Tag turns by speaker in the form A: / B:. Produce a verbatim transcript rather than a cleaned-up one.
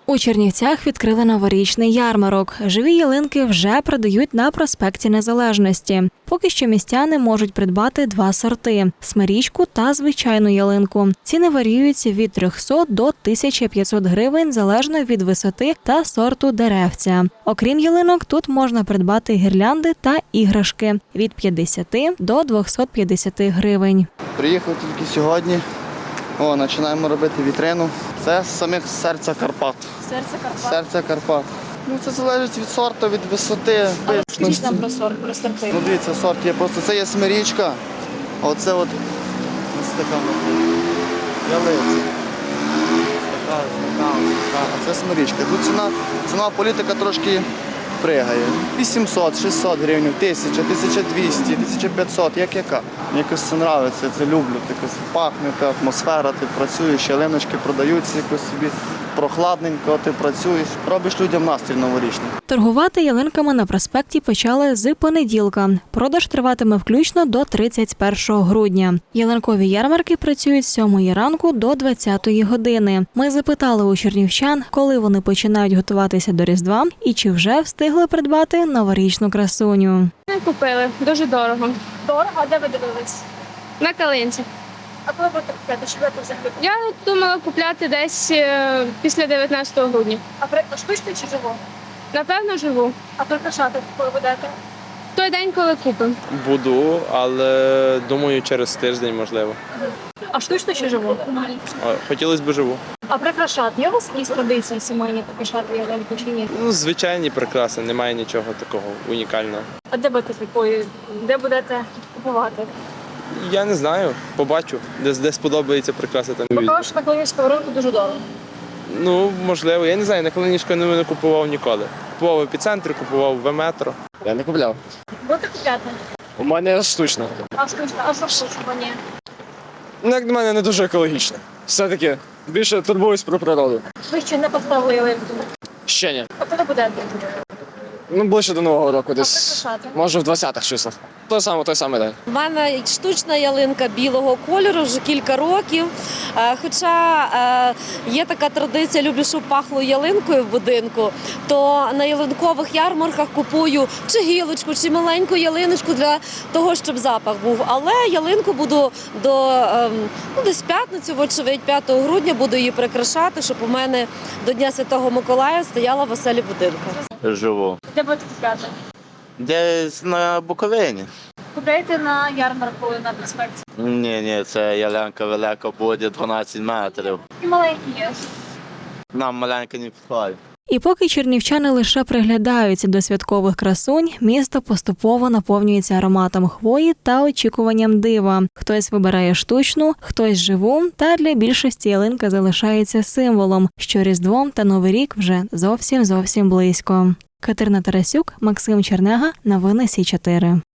A: У Чернівцях відкрили новорічний ярмарок. Живі ялинки вже продають на проспекті Незалежності. Поки що містяни можуть придбати два сорти – смирічку та звичайну ялинку. Ціни варіюються від трьохсот до тисячі п'ятсот гривень залежно від висоти та сорту деревця. Окрім ялинок, тут можна придбати гірлянди та іграшки – від п'ятдесяти до двохсот п'ятдесяти гривень.
B: Приїхав тільки сьогодні. О, починаємо робити вітрину. Це з самих серця Карпат.
A: Серце Карпат.
B: Серце Карпат. Ну, це залежить від сорту, від висоти.
A: Скажіть нам про сорт, про сорти.
B: Ну, дивіться, сорт є просто. Це є смирічка, а оце от ось така ялиця. Така, така, така. А це смирічка. Тут ціна, ціна політика трошки пригає. вісімсот, шістсот гривень, тисяча, тисяча двісті, тисяча п'ятсот, як яка. Мені якось це подобається, це люблю. Якось пахне, та атмосфера, ти працюєш, ялиночки продаються, якось собі прохладненько, ти працюєш, робиш людям настрій новорічний.
A: Торгувати ялинками на проспекті почали з понеділка. Продаж триватиме включно до тридцять першого грудня. Ялинкові ярмарки працюють з сьомої ранку до двадцятої години. Ми запитали у чернівчан, коли вони починають готуватися до Різдва і чи вже встигли придбати новорічну красуню.
C: Ми купили, дуже дорого.
D: Дорого? А де ви дивились?
C: На калинці.
D: А коли будете купляти? Що ви взагалі?
C: Я думала купляти десь е, після дев'ятнадцятого грудня.
D: А при штучно чи живу?
C: Напевно, живу.
D: А прикрашати коли будете?
C: В той день, коли купимо.
E: Буду, але думаю, через тиждень, можливо.
D: А штучно чи живу?
E: О, хотілося б живу.
D: А прикрашати? Є у вас якісь традиції сімейні прикрашати ялинку чи ні?
E: Ну, звичайні прикраси, немає нічого такого унікального.
D: А де будете такої? Де будете купувати?
E: Я не знаю, побачу, де, де сподобається прикраси, там
D: Бо
E: візьму.
D: кажуть, що на Калинівському ринку дуже дорого.
E: Ну, можливо, я не знаю, на Калинівську не, не купував ніколи. Купував в епіцентрі, купував в метро.
F: Я не купляв.
D: Будете купляти?
F: У мене штучно.
D: А штучно? А що штучно? Ні.
F: Ну, як на мене, не дуже екологічно. Все-таки більше турбуюсь про природу.
D: Ви ще не поставили ялинку.
F: Ще ні.
D: А коли будете?
F: Ну, ближче до Нового року,
D: А
F: десь.
D: прикрашати?
F: Може в двадцятих числах. Той самий, той самий день.
G: У мене штучна ялинка білого кольору вже кілька років. Е, Хоча е, є така традиція, люблю, щоб пахло ялинкою в будинку, то на ялинкових ярмарках купую чи гілочку, чи маленьку ялиночку для того, щоб запах був. Але ялинку буду до е, ну, десь п'ятницю, вочевидь, п'ятого грудня буду її прикрашати, щоб у мене до Дня Святого Миколая стояла в оселі будинку.
H: Живу.
D: Де будете купляти?
H: Десь на Буковині.
D: Купляєте на ярмарку на проспекті.
H: Ні, ні, це ялинка велика буде дванадцять метрів.
D: І маленькі є.
H: Нам маленька не підходить.
A: І поки чернівчани лише приглядаються до святкових красунь, місто поступово наповнюється ароматом хвої та очікуванням дива. Хтось вибирає штучну, хтось живу, та для більшості ялинка залишається символом, що Різдво та Новий рік вже зовсім-зовсім близько. Катерина Тарасюк, Максим Чернега, новини Сі чотири.